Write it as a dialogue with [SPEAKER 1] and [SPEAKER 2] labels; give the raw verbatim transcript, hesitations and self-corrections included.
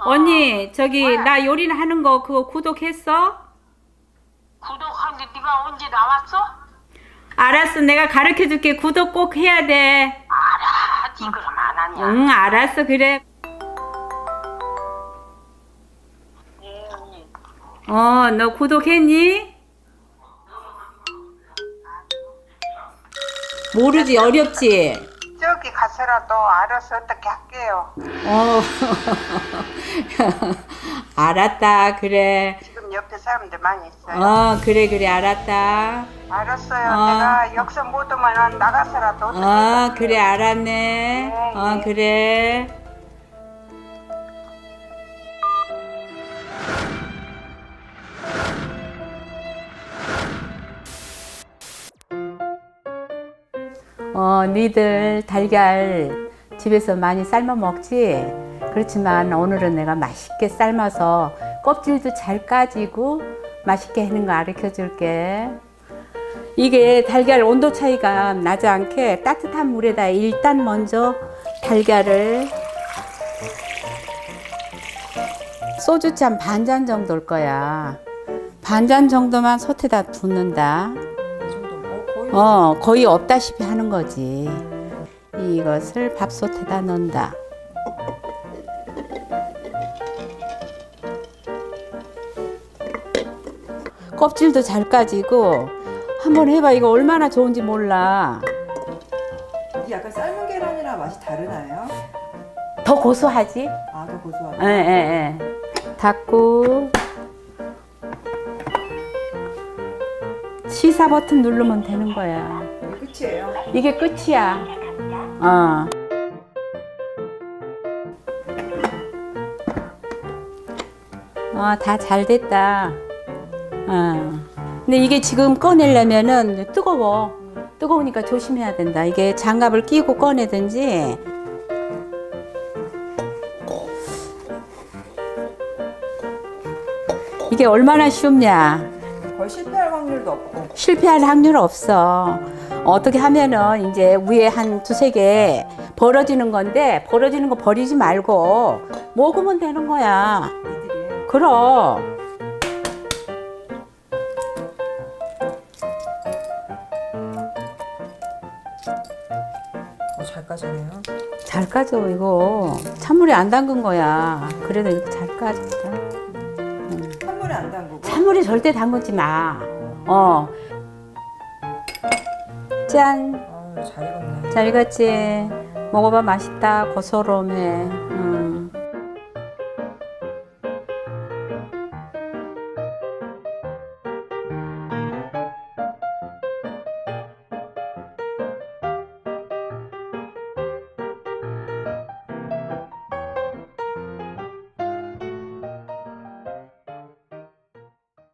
[SPEAKER 1] 언니, 저기
[SPEAKER 2] 왜?
[SPEAKER 1] 나 요리는 하는 거 그거 구독했어?
[SPEAKER 2] 구독한 게 네가 언제 나왔어?
[SPEAKER 1] 알았어, 내가 가르쳐 줄게. 구독 꼭 해야 돼.
[SPEAKER 2] 알아, 니 그럼 안 하냐?
[SPEAKER 1] 응, 알았어, 그래.
[SPEAKER 2] 예, 언니.
[SPEAKER 1] 어, 너 구독했니? 모르지, 어렵지?
[SPEAKER 2] 저기 가서라도 알아서 어떻게 할게요.
[SPEAKER 1] 어, 알았다, 그래.
[SPEAKER 2] 지금 옆에 사람들 많이 있어요.
[SPEAKER 1] 어, 그래, 그래, 알았다.
[SPEAKER 2] 알았어요.
[SPEAKER 1] 어.
[SPEAKER 2] 내가 역선 못 오면 나가서라도 어떻게
[SPEAKER 1] 어,
[SPEAKER 2] 할게요.
[SPEAKER 1] 그래, 알았네. 어,
[SPEAKER 2] 예.
[SPEAKER 1] 그래. 어, 니들 달걀 집에서 많이 삶아 먹지? 그렇지만 오늘은 내가 맛있게 삶아서 껍질도 잘 까지고 맛있게 하는 거 가르쳐 줄게. 이게 달걀 온도 차이가 나지 않게 따뜻한 물에다 일단 먼저 달걀을 소주잔 반 잔 정도일 거야. 반 잔 정도만 솥에다 붓는다. 어, 거의 없다시피 하는 거지. 이것을 밥솥에다 넣는다. 껍질도 잘 까지고 한번 해봐. 이거 얼마나 좋은지 몰라.
[SPEAKER 3] 이게 약간 삶은 계란이랑 맛이 다르나요?
[SPEAKER 1] 더 고소하지?
[SPEAKER 3] 아, 더 고소하다.
[SPEAKER 1] 예, 예, 예. 닫고 시사 버튼 누르면 되는 거야.
[SPEAKER 3] 이게 끝이에요.
[SPEAKER 1] 이게 끝이야. 어. 어, 다 잘 됐다. 어. 근데 이게 지금 꺼내려면은 뜨거워. 뜨거우니까 조심해야 된다. 이게 장갑을 끼고 꺼내든지. 이게 얼마나 쉽냐.
[SPEAKER 3] 거의 실패할 확률도 없고.
[SPEAKER 1] 실패할 확률 없어. 어떻게 하면은 이제 위에 한 두세 개 벌어지는 건데 벌어지는 거 버리지 말고 먹으면 되는 거야.
[SPEAKER 3] 이들이.
[SPEAKER 1] 그럼.
[SPEAKER 3] 어, 잘 까지네요.
[SPEAKER 1] 잘 까져 이거. 찬물에 안 담근 거야. 그래도 이렇게 잘 까졌다.
[SPEAKER 3] 찬물에 안 담그고.
[SPEAKER 1] 찬물에 절대 담그지 마. 어. 짠.
[SPEAKER 3] 아, 잘 익었네.
[SPEAKER 1] 잘 익었지? 먹어봐. 맛있다. 고소롬해. 응.